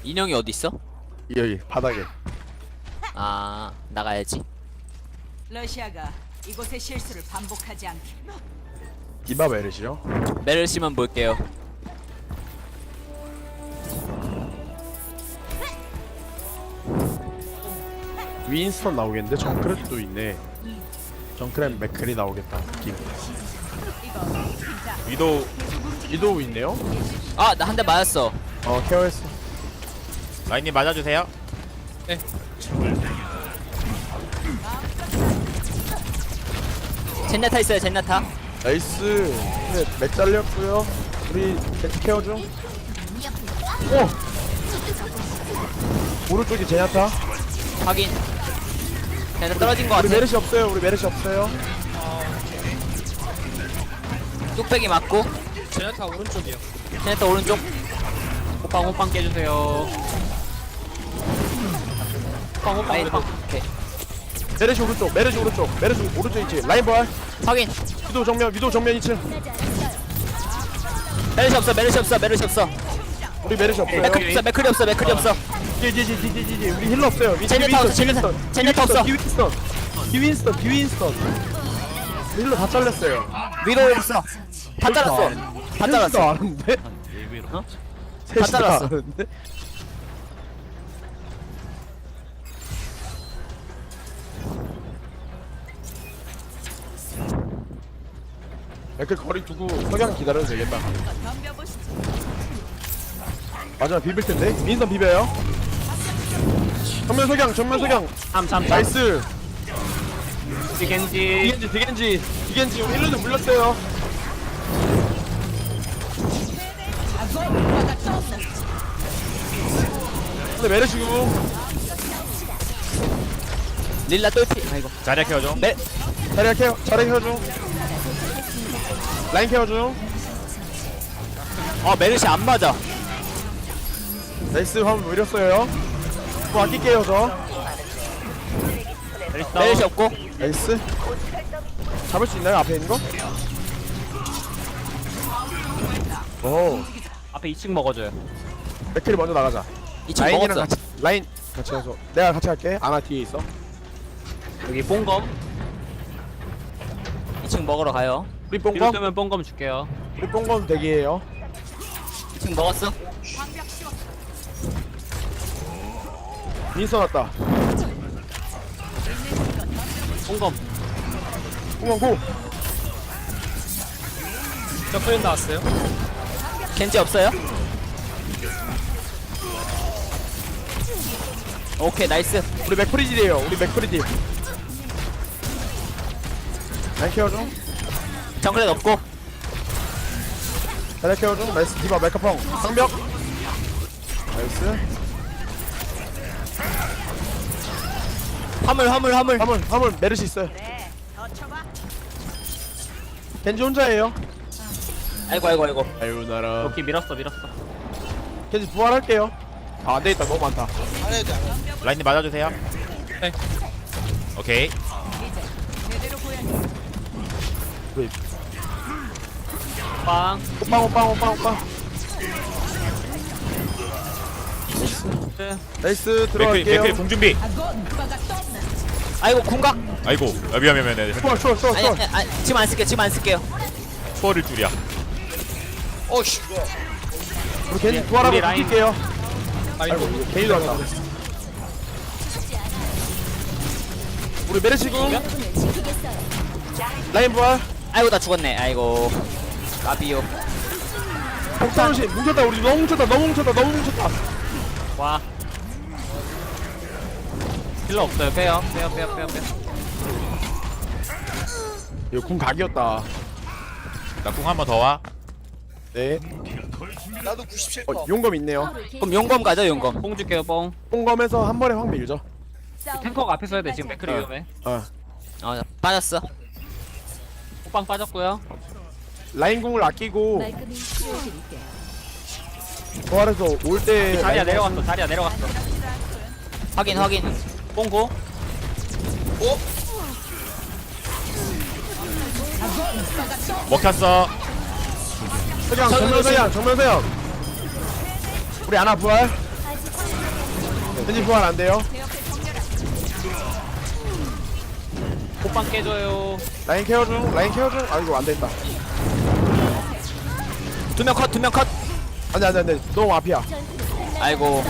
인형이 어디 있어? 여기 바닥에. 아 나가야지. 러시아가 이곳의 실수를 반복하지 않게. 디바 메르시요? 메르시만 볼게요. 윈스턴 나오겠는데 정크랩도 있네. 정크랩 맥클이 나오겠다 느낌. 위도우 있네요. 아 나 한 대 맞았어. 케어했어. 라인님 맞아주세요. 젠나타 있어요 젠나타. 나이스. 네, 맥 잘렸고요. 우리 겐지 케어 중. 오! 오른쪽이 제냐타. 확인. 젠나 떨어진 거 우리 같아. 메르시 없어요. 우리 메르시 없어요. 뚝배기 맞고. 제나타 오른쪽이요. 젠나타 오른쪽. 호빵 깨주세요. 호빵 라인 오케이. 메르시 오른쪽. 메르시 오른쪽. 메르시 오른쪽 있지. 라인 볼. 확인. 위도 정면 2층. 메르시 없어 메르시 없어 메르시 없어. 우리 메르시 없어요. 맥클이 없어 맥클이 없어 맥클이 없어. 지지지지지지. 우리 힐러 없어요. 젠네타 없어, 젠네타 없어. 디윈스턴. 힐러 다 잘렸어요. 위로 없어. 다 잘랐어. 다 잘랐어. 아는데? 어? 셋이 다 잘랐어. 아는데? 맥클 거리 두고 석양 기다려도 되겠다. 마지막 비빌 텐데. 민선 비벼요. 정면 석양. 참참 나이스. 겐지. 디겐지 우리 힐러도 물렸어요. 근데 메르시고 릴라 똘피. 아이고. 자리야 케어줘. 메 자리 케어 중. 라인 케어 중. 메르시 안 맞아. 나이스. 화면 물렸어요. 뭐 아낄게요 저. 메르시 없고. 나이스. 잡을 수 있나요 앞에 있는 거? 오. 앞에 2층 먹어줘요. 맥클이 먼저 나가자. 2층 라인이랑 먹었어. 같이 라인 같이 해서 내가 같이 할게. 아나 뒤에 있어. 여기 뽕검. 2층 먹으러 가요. 우리 뒤로 뽕검. 뜨면 뽕검 줄게요. 우리 뽕검 대기해요. 2층 먹었어. 민서 왔다. 뽕검. 뽕검 고. 저프린 나왔어요. 겐지 없어요? 오케이 나이스. 우리 맥프리딜이에요. 우리 맥프리딜. 라인 케어 중. 정글렛 없고. 자리 케어 중. 나이스. 디바 메카펑. 상벽. 나이스. 화물 메르시 있어요. 겐지 혼자예요. 아이고 아유 나라. 오케이 밀었어. 겐지 부활할게요. 아 안되겠다. 너무 많다. 라인님 맞아주세요. 네. 오케이. 우리 빵. 오빵. 네. 나이스. 맥클 들어갈게요. 궁 준비. 아이고 궁각. 아이고 미안해. 추월. 아니 지금 안 쓸게요. 초월일 줄이야. 우리 겐지 부활하고 우리 라인. 붙일게요. 아이고 게이도 왔다. 우리 메르시고 라인 부활. 아이고 나 죽었네. 아이고 라비오. 폭탄시 뭉쳤다. 우리 너무 뭉쳤다. 와. 힐러 없어요. 빼요. 이거 궁 각이었다. 나 궁 한 번 더 와. 네. 용검 있네요. 그럼 용검 가죠 용검. 뽕 줄게요. 뽕. 용검에서 한 번에 확 밀죠. 탱커가 앞에 서야 돼. 지금 맥크리 위험해. 빠졌어. 호빵 빠졌고요. 라인 궁을 아끼고 부활해서 올 때 자리야 내려갔어. 확인. 뽕고. 먹혔어. 정면 서양. 우리 아나 부활. 겐지 부활 안 돼요. 호빵 깨줘요. 라인 케어 중. 라인 케어 중. 아이고 안 됐다. 두 명 컷. 안돼. 너무 앞이야. 아이고.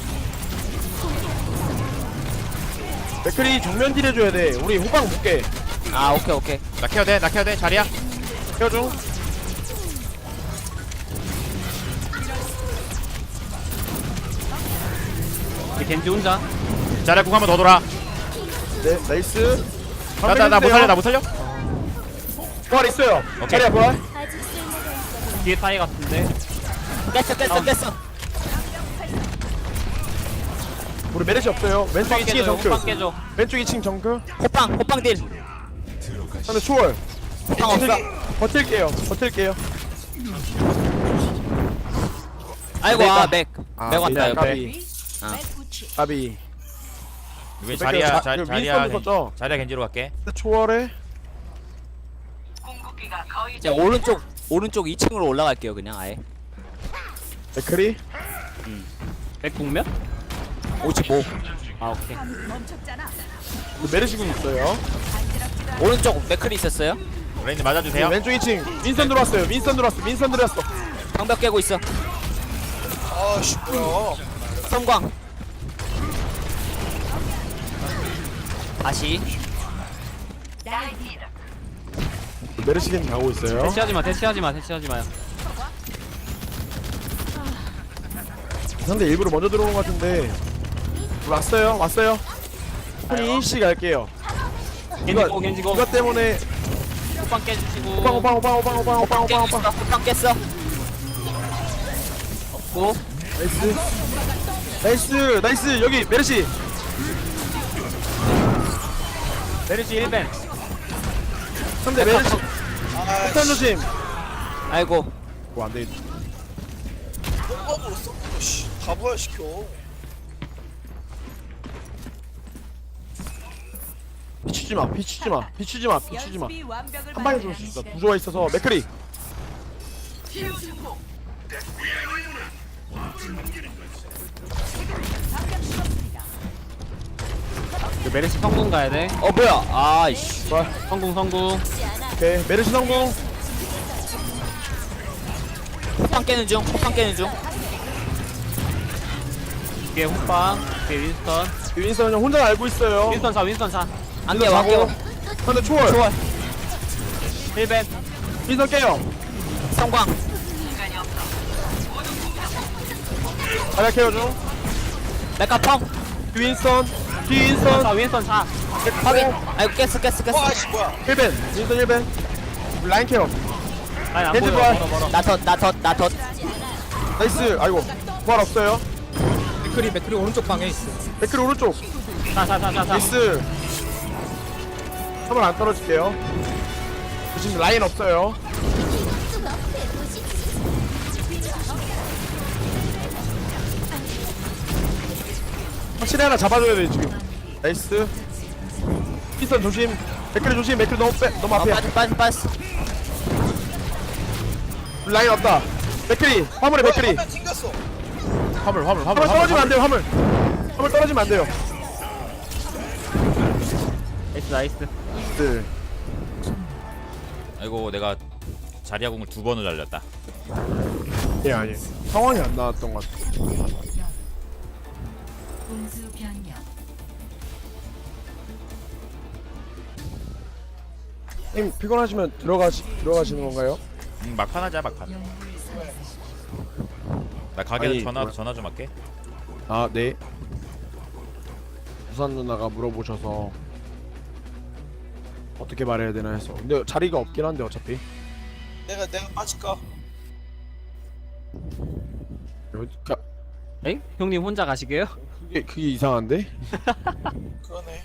맥크리 정면 딜 해줘야 돼. 우리 호빵 묶게. 아, 오케이. 나 케어 돼 자리야. 케어 중. 우리 겐지 혼자. 자리야 궁 한 번 더 돌아. 네, 나이스. 나 못 살려. 부활 있어요. 오케이. 자리야 부활. 뒤에 타이 같은데. 깼어. 우리 메르시 없어요. 왼쪽 호빵 2층에 깨줘요. 정크. 호빵 깨줘. 왼쪽 2층 정크. 호빵 딜. 근데 초월. 호빵 없어. 버틸게요. 아이고, 맥 왔다, 네, 옆에. 까비. 까비. 왜 자리야 자- 그 자리야 윈스턴도 썼죠? 자리야 겐지로 갈게. 근데 초월에 제가 오른쪽 2층으로 올라갈게요, 그냥 아예. 맥크리. 맥 국면? 55. 아 오케이. 멈췄잖아. 근데 메르시군 있어요. 오른쪽 맥클이 있었어요. 레인님 맞아주세요. 왼쪽 2층. 윈선 들어왔어. 방벽 깨고 있어. 아씨 뭐야. 성광. 다시. 메르시겐 가고 있어요. 대치하지 마요. 상대 일부러 먼저 들어오는 것 같은데. 왔어요. 손이 씨 갈게요. 겐지고. 이것 때문에 호빵 깨주시고. 오빵. 호빵 깼어. 고. 나이스. 여기 메르시. 메르시 1벤. 상대 메르시. 폭탄 조심. 아이고. 안 돼. 다 부활시켜. 비추지 마. 연습이 완벽을 한 방에 죽을 수 있어. 구조가 있어서 맥크리. 그 메르시 성공 가야 돼. 뭐야? 아이씨. 성공. 오케이. 메르시 성공. 호빵 깨는 중. 뒤에 호빵. 뒤에 윈스턴. 윈선 형 혼자 알고 있어요. 윈스턴 사. 안 깨워. 상대 초월. 1벤. 윈선 깨요. 성광. 자리야 케어 중. 메카펑. 윈선. 윈스턴 사. 확인. 아이고, 깼어. 아씨 뭐야. 1벤. 윈선 1벤. 라인 케어. 아니 안 겐지 보여. 부활. 멀어. 나 덧. 나이스. 아이고. 부활 없어요. 맥크리 오른쪽 방에 있어. 맥크리 오른쪽. 사. 나이스. 한번 안 떨어질게요. 지금 라인 없어요. 확실히 하나 잡아줘야 돼 지금. 나이스. 피선 조심. 맥크리 조심. 맥크리 너무 앞이야. 빠졌어. 라인 없다. 맥크리. 화물에 맥크리. 화면 튕겼어. 화물. 화물 떨어지면 안 돼요. 화물 떨어지면 안 돼요. 나이스. 네. 아이고 내가 자리야 궁을 2번을 날렸다. 예 아니. 상황이 안 나왔던 것 같아. 공수 변경. 님 피곤하시면 들어가시는 건가요? 막판 하자 막판. 나 가게에서 아니, 전화 좀 할게. 아 네. 부산 누나가 물어보셔서 어떻게 말해야 되나 해서. 근데 자리가 없긴 한데 어차피. 내가 빠질까? 그러니까 엥? 형님 혼자 가시게요? 그게 이상한데? 그러네.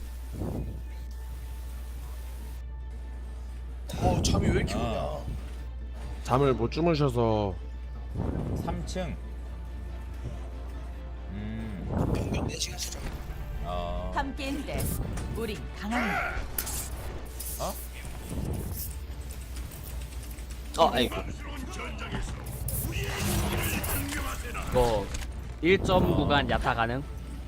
잠이 왜 이렇게 오냐. 잠을 못 주무셔서. 3층. 평균 4시간 수정. 함께인데 우린 강합니다. 아이고. 이거 1점 구간 야타 가능?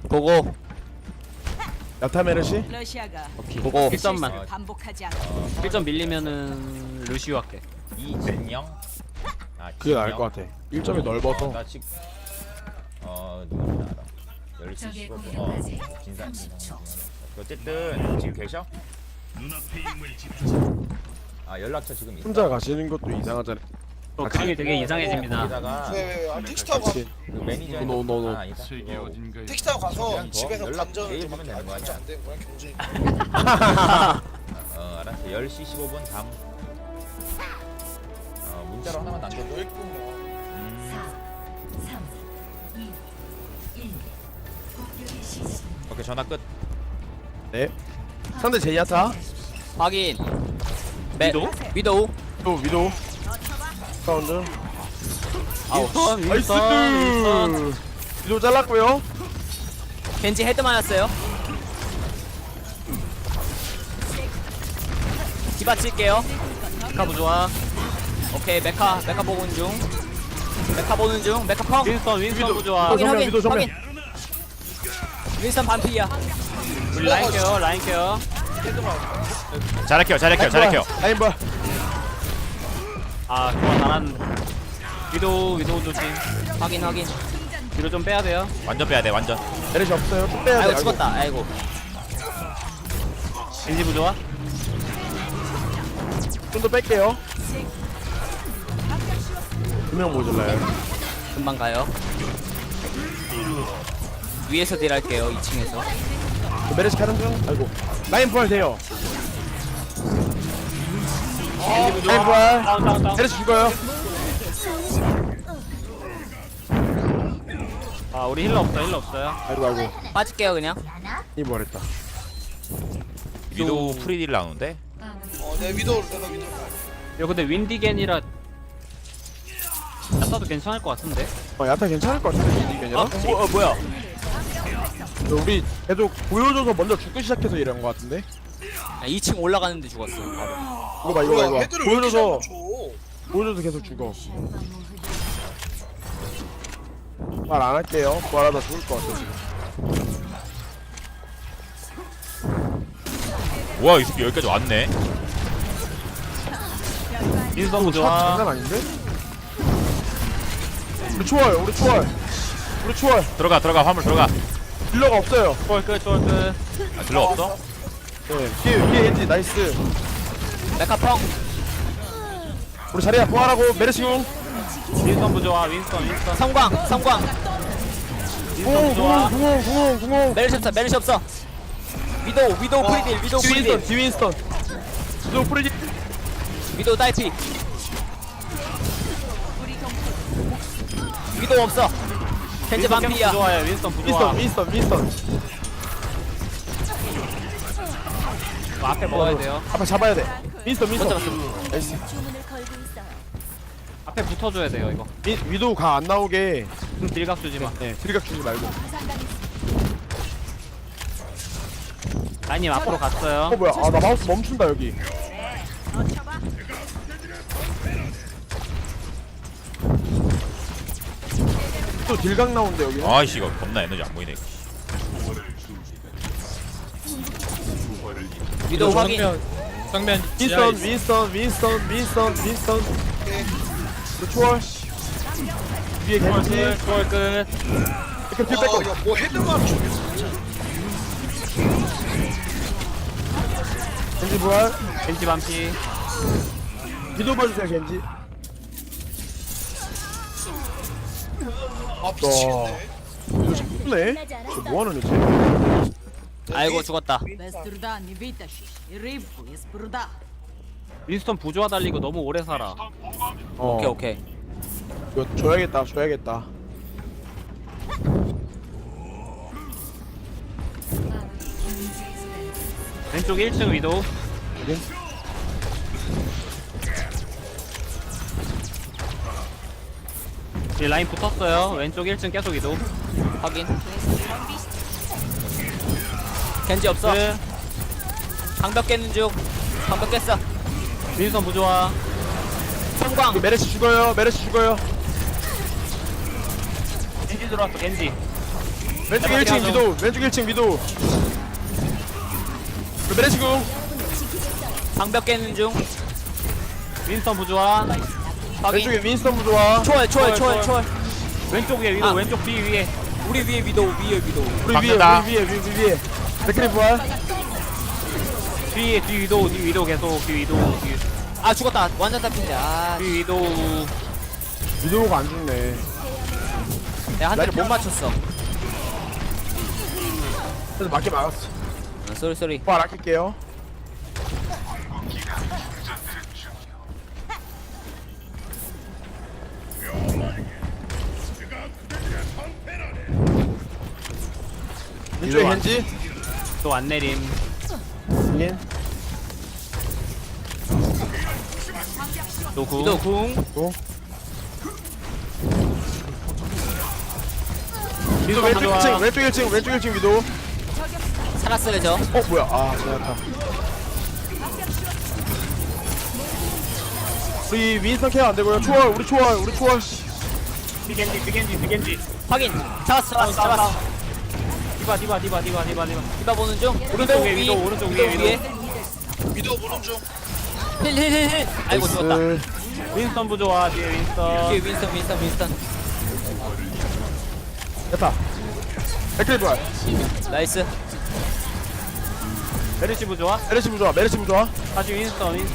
고고. 야타 메르시. 러시아가 오케이. 보고. 1점만. 반복하지 않고 1점 밀리면은 루시오 할게. 이진영. 아, 그게 나을 것 같아. 1점이 넓어서. 나 지금 누구나 알아. 10시 15분. 진상. 어쨌든 지금 계셔? 아 연락처 지금 있어. 혼자 가시는 것도 이상하잖아. 그림이 되게 이상해집니다. 거기다가 왜 택시 타고 같이. 그 매니저 노. 아니다. 택시 타고 가서 그냥 집에서 연락 관전을 내일 좀 보면 되는 거 할게. 아니야? 안 되는 거야 경쟁이. 알았어. 10시 15분 다음. 문자로 하나만 남겨. 너 있고 오케이 전화 끝. 네. 상대 제이아타. 확인. 매 위도우? 위도우. 또 위도. 사운드. 윈스턴 나이스. 윈스턴. 위도 잘랐고요. 겐지 헤드 맞았어요. 디바 칠게요. 메카 부좋아. 오케이 메카 보는 중. 메카 보는 중. 메카 펑. 윈스턴 부좋아. 위도. 확인 확인 위도 정면. 확인. 윈스턴 반피야. 우리 라인 케어 라인 케어. 잘할게요. 라인 봐. 아 좋아 잘한. 위도우 조심. 확인. 뒤로 좀 빼야 돼요. 완전 빼야 돼. 완전. 메르시 없어요. 쭉 빼야 돼. 아이고 죽었다. 아이고. 겐지 부좋아. 좀더 뺄게요. 2명 모질라요. 금방 가요. 위에서 딜할게요. 2층에서. 메르시 가는 중. 아이고. 라인 부활 돼요. 라인 부활. 다운. 메르시 죽어요. 아 우리 힐러 없어요. 아이고. 빠질게요 그냥. 이 뭐랬다. 위도 프리딜 나오는데. 내 위도를 내가 위도. 이거 근데 윈디겐이라 야타도 괜찮을 것 같은데. 야타 괜찮을 것 같은데 이게 아니라. 뭐야? 우리 계속 보여줘서 먼저 죽기 시작해서 이런 것 같은데. 2층 올라가는데 죽었어. 바로. 이거 봐. 헤드를 왜 이렇게 보여줘서 잘 맞춰? 보여줘서 계속 죽어. 말 안 할게요. 말하다 죽을 것 같아 지금. 와, 이 새끼 여기까지 왔네. 윈스턴 샷 부좋아. 장난 아닌데? 우리 초월. 들어가. 화물 들어가. 딜러가 없어요. 초월 끝. 아, 들러 없어? 네. 뒤에 엔지 나이스. 메카 펑. 우리 자리야 부활하고 메르시용. 윈스턴 부좋아. 윈스턴. 성광. 궁공. 메르시 없어. 위도우 프리딜. 디윈스턴. 위도 프리디. 위도우 딸피. 위도우 없어. 겐지 반피야. 부좋아요. 윈스턴 부좋아. 윈스턴. 앞에 먹어야 돼요. 앞에 잡아야 돼. 윈스턴. 못 잡았어. 나이스. 앞에 붙어줘야 돼요 이거. 위도우 가 안 나오게. 딜각 주지 마. 네. 드리각 주지 말고. 라인님 앞으로 갔어요. 뭐야? 나 마우스 멈춘다 여기. 또 딜각 나온대 여기. 아이씨, 이거 겁나 에너지 안 보이네. 위도우 확인. 정면 윈스턴. 또 초월. 위에 겐지. 초월 끝. 이렇게 딜 뺏고. 야뭐 헤드 맞춰? 겐지 부활. 겐지 반피. 위도우 봐주세요 겐지. 미치겠네. 이거 좀 예쁘네. 저 뭐하는 애지? 아이고 죽었다. Без труда не вытащишь и рыбку из пруда. 윈스턴 부좋아 달리고 너무 오래 살아. 오케이. 이거 줘야겠다. 왼쪽 1층 위도우. 여기? 뒤에 라인 붙었어요. 왼쪽 1층 계속 위도우. 확인. 겐지 없어. 끝. 방벽 깼는 중. 방벽 깼어. 윈스턴 부좋아. 성광. 메르시 죽어요. 겐지 들어왔어 겐지. 왼쪽 1층 위도 왼쪽 1층 위도 메르시궁 방벽 깨는 중. 윈스턴 부조화. 확인. 왼쪽에 윈스턴 부좋아 초월. 왼쪽 위에 위도 아. 왼쪽 뒤 위에. 우리 위에 위도우. 우리 박는다. 위에 맥크리 부활 뒤에 뒤 위도 계속 뒤 위도 아 죽었다. 완전 따핀데. 아, 뒤 위도. 위도우가 안 죽네 내가 한 대를 못 맞췄어. 그래서 맞게 막았어 쏘리. 부활 아낄게요 왼쪽에 겐지 또 안 내림. 인 또 구. 위도우 궁. 위도 왼쪽 1층 왼쪽 1층 위도 살았어요 저. 뭐야 아 잘했다 우리 윈스턴 케어 안되고요 우리 초월 비겐지. 확인. 잡았어. 디바. 디바 보는 중. 오른쪽 위에 위도, 오른쪽 위에 위도. 위도 보는 중. 힐. 아이고 죽었다. 윈스턴 부조화 뒤에 윈스턴. 뒤에 윈스턴. 됐다 맥크리 부활 나이스. 메르시 부조화. 메르시 부좋아 다시 윈스턴.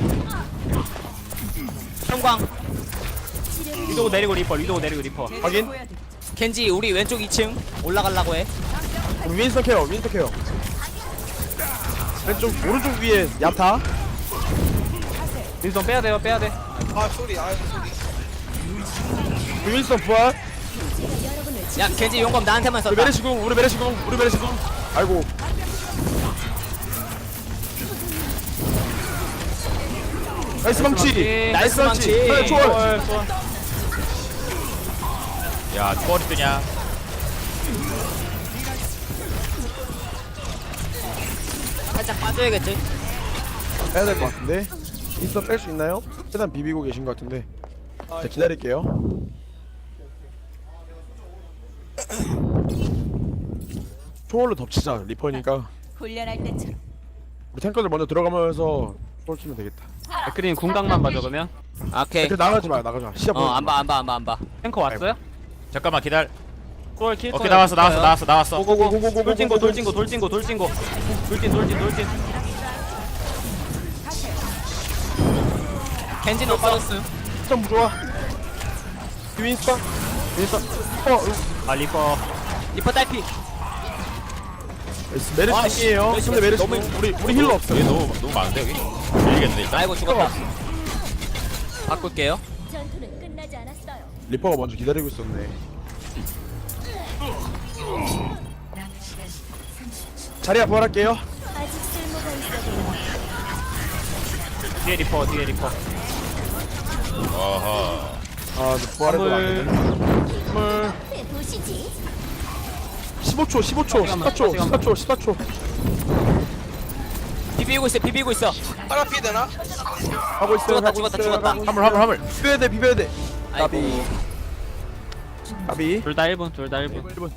형광. 위도 내리고 리퍼. 확인 켄지 우리 왼쪽 2층 올라가려고 해. 우리 윈스턴 케어 왼쪽 오른쪽 위에 야타 윈스턴 빼야 돼. 아 소리. 우리 윈스턴 부활 야 켄지 용검 나한테만 우리 썼다. 메르시궁 아이고 나이스 망치 나이스 망치. 그래, 초월 야 초월이 뜨냐? 살짝 빠져야겠지. 해야 될 것 같은데 윈스턴 뺄 수 있나요? 최대한 비비고 계신 것 같은데 자 기다릴게요 초월로 덮치자 리퍼니까 훈련할 때처럼. 우리 탱커들 먼저 들어가면서 초월 치면 되겠다 맥크린 궁각만 봐줘 그러면. 오케이. 그 나가지 마 시야 보지 마. 안 봐. 탱커 왔어요? 잠깐만 기다려. 초월 킬 오케이 거예요. 나왔어. 고고고. 돌진고. 돌진. 켄지는 없어졌음. 윈스턴 부좋아 윈스턴 아 리퍼. 리퍼 딸피. 메르시이에요 씨, 근데 메르시 너무- 우리 힐러 없어 얘 너무 많은데 여기? 밀리겠네 일단. 아이고 죽었다. 바꿀게요. 전투는 끝나지 않았어요. 리퍼가 먼저 기다리고 있었네 자리야 부활할게요 아직 쓸모가 있어 보여. 뒤에 리퍼. 어허. 아 부활해도 안되네 네, 보시지. 15초 14초 비비고 있어. 파라피 되나? 하고 있어요 죽었다. 화물. 비벼야 돼 아이고. 까비 둘 다 1분. 1분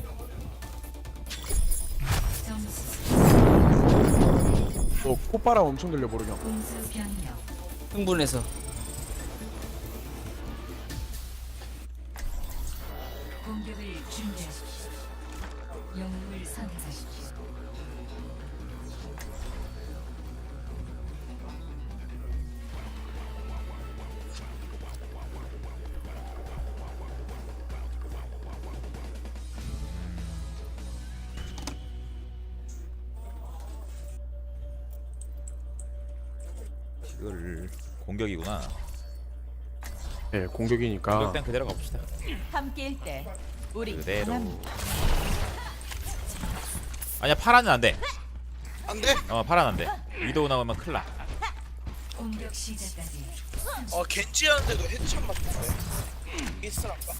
콧바람 엄청 들려 모르경 흥분해서. 공격을 준비하십시오. 영웅을 선택하십시오. 이걸 공격이구나. 네 공격이니까 공격된 그대로 가봅시다. 함께일 때 우리 그대로. 강합니다. 아니야 파라는 안 돼. 안 돼? 파라는 안 돼. 위도우 나오면 큰일 나. 공격 시작까지 겐지 하는데도 헤드샷 맞던데. 이스란가?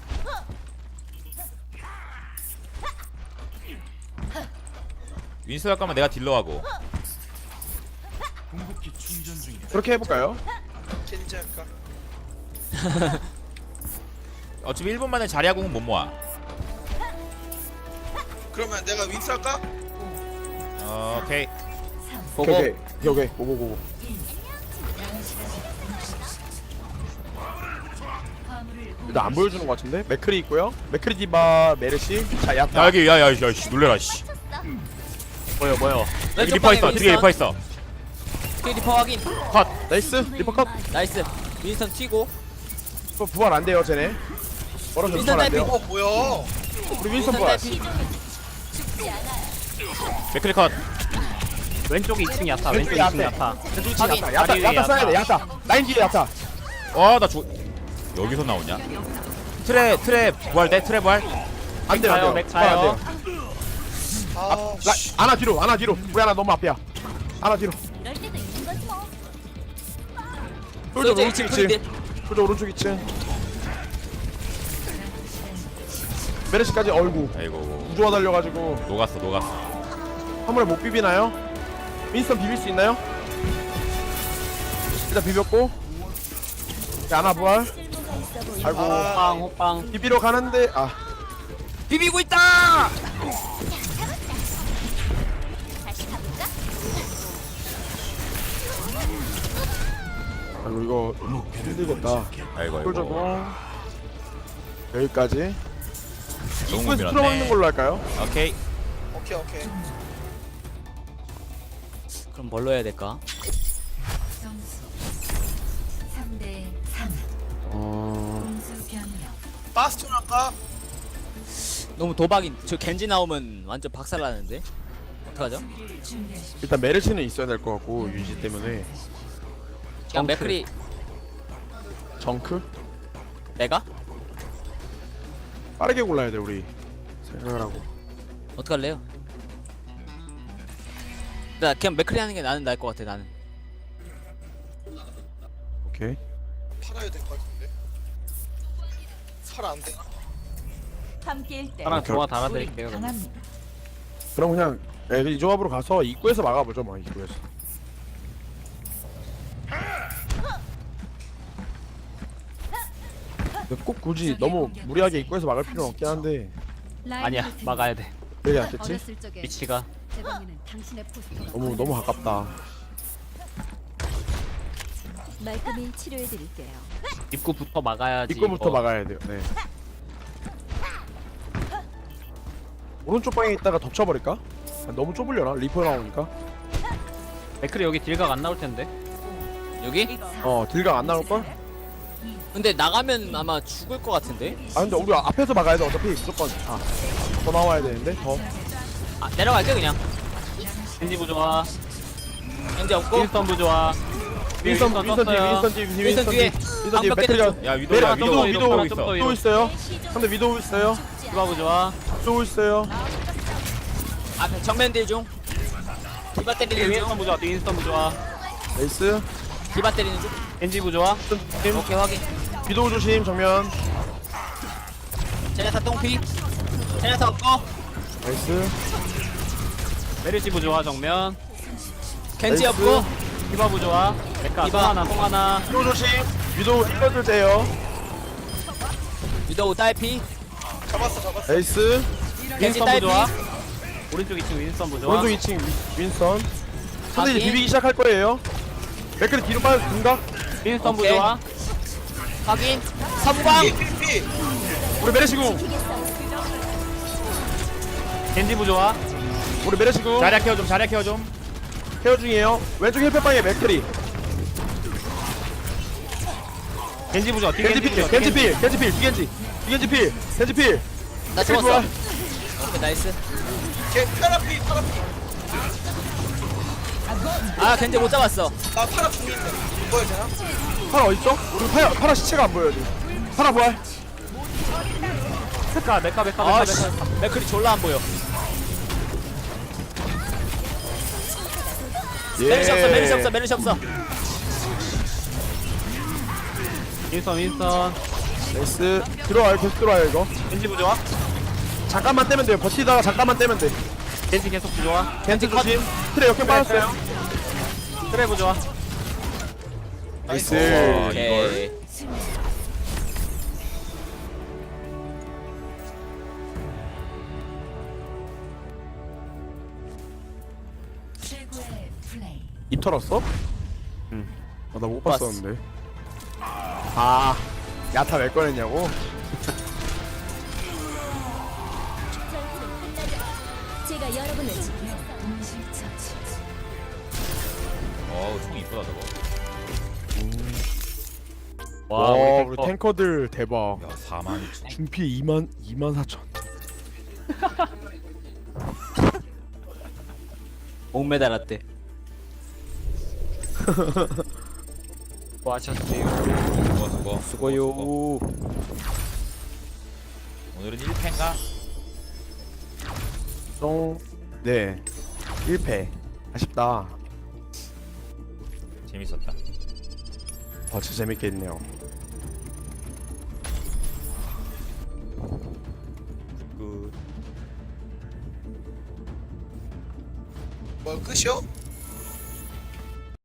윈스 할 거면 내가 딜러하고. 그렇게 해볼까요? 겐지 할까? 어차피 1분 만에 자리하고는 못 모아. 그러면 내가 윈스 할까? 오케이. 보고 오케이 고고 일단 안 보여주는 것 같은데? 맥크리 있고요 맥크리 디바 메르시 자 야 야타 여기 야야 놀래라 씨. 뭐요 뭐요. 여기 리퍼 있어. 뒤에 리퍼 있어. 스킬 리퍼 확인. 컷. 나이스 리퍼 컷 나이스. 윈스턴 튀고. 부활 안 돼요 쟤네 멀어져 윈스턴 부활 안 돼요 뭐야? 우리 윈스턴 부활 맥크리 컷. 왼쪽에 2층 야타. 왼쪽에 왼쪽에 2층 야타. 야타. 왼쪽 확인. 치기 야타 다리 위에 야타 써야 돼 야타. 야타 라인 뒤에 야타 와나 죽. 여기서 나오냐? 트레 부활 돼? 트레 부활? 안 돼요 가요, 안 돼요 맥 부활 안 가요. 돼요 아, 씨. 아나 뒤로 우리 하나 너무 앞이야 아나 뒤로 이럴 때도 있는 거지 뭐. 솔저 솔저 오른쪽 2층 2층 프리딜. 솔저 오른쪽 2층 메르시까지 얼구 아이고 우주화 달려가지고 녹았어. 화물에 못 비비나요? 윈스턴 비빌 수 있나요? 일단 비볐고 자, 하나 부활 쓸모가 있어 보이는 아이고 호빵 호빵. 비비러 가는데 비비고 있다. 다시 가볼까? 아이고 이거 힘들겠다 아이고 솔저고 여기까지 너무 입구에서 틀어막는 밀었네. 걸로 할까요? 오케이. 오케이. 그럼 뭘로 해야 될까? 점수 3대 3. 공수 변경. 바스톤 할까? 너무 도박인. 저 겐지 나오면 완전 박살나는데. 어떡하죠? 준비하십시오. 일단 메르시는 있어야 될 것 같고 유지 때문에 그냥 맥크리 정크? 내가? 빠르게 골라야 돼 우리 생각을 하고 어떡할래요? 나 그냥 맥크리 하는 게 나는 나을 것 같아 나는. 오케이 팔아야 될 것 같은데. 팔 안 되나? 함께일 때 하나 조화 우리 달아드릴게요. 강합니다. 그럼 그냥 이 조합으로 가서 입구에서 막아보죠 뭐 입구에서 근데 꼭 굳이 너무 무리하게 입구에서 막을 필요는 없긴 한데 아니야 막아야 돼. 왜 안 됐지? 어렸을 적에 위치가 제 방에는 당신의 포스터가 너무 가깝다 말끔히 치료해 드릴게요. 입구부터 막아야지. 입구부터 이거. 막아야 돼요 네 오른쪽 방에 있다가 덮쳐버릴까? 너무 좁으려나? 리퍼 나오니까 맥크리 여기 딜각 안 나올 텐데. 여기? 딜각 안 나올걸? 근데 나가면 아마 죽을 것 같은데? 근데 우리 앞에서 막아야 돼 어차피 무조건 더 나와야 되는데 더 아 내려갈게 그냥. 겐지 부조화. 겐지 없고. 윈스턴 부조화. 윈선 떴어요. 뒤에 윈선 뒤에. 방벽 맥크리가 깨졌죠. 야 위도 메리- 야 위도우, 위도우, 좀더 또 위로. 있어요 근데 위도우 있어요 디바 부조화. 위도우 있어요 앞에 정면 딜 중. 디바 때리는 중. 윈스턴 부조화. 윈스턴 부조화. 나이스 디바 때리는 중. 겐지 부조화. 팀 오케이 확인. 위도우 조심 정면 제네타 똥피. 제네타 없고. 나이스 메르시 부조화 정면. 겐지 나이스. 없고. 디바 부조화. 메카 디바. 송하나. 위도우 조심 위도우 힐러들 돼요 위도우 딸피. 잡았어. 나이스 겐지 윈스턴 딸피. 부조화. 오른쪽 2층 윈스턴 부조화. 오른쪽 2층 윈선 근데 이제 확인. 비비기 시작할 거예요 맥크리 뒤로 빠져 둔가? 윈스턴 오케이. 부조화. 확인. 선방. 피. 우리 메르시궁 겐지 부조화. 우리 메르시궁 자리야 케어 좀. 케어 중이에요 왼쪽 힐패방에 맥크리 겐지 부조화. 뒤 겐지필 부조화. 겐지필 겐지필 나 죽었어. 오케이 나이스. 파라피. 아 겐지 못 잡았어. 나 파라 죽는데. 뭐야 되나? 파라 어딨어? 우리 파라 시체가 안 보여요 지금 파라 부활 메카. 아 씨. 맥크리 졸라 안 보여. 메르시 없어. 윈스턴. 나이스 들어와요 계속 들어와요 이거 겐지 부조화. 잠깐만 떼면 돼요 버티다가 잠깐만 떼면 돼 겐지 계속 부조화. 겐지 조심 트레 역행 빠졌어요 트레 부조화. 나이스 오케이. 입 털었어? 응. 나 못 봤어. 봤었는데. 아, 야타 왜 꺼냈냐고? 제가 여러분을 동실처치. 어우 총 이쁘다 저거. 와, 우리 우리 탱커. 탱커들 대박. 야 42,000. 준피 24,000. 목매달았대. 뭐 하셨어요? 수고. 수고요. 오늘은 1패인가? 똥. 네. 1패. 아쉽다. 재밌었다. 진짜 재밌게 했네요. 굿. 뭐 끝이요?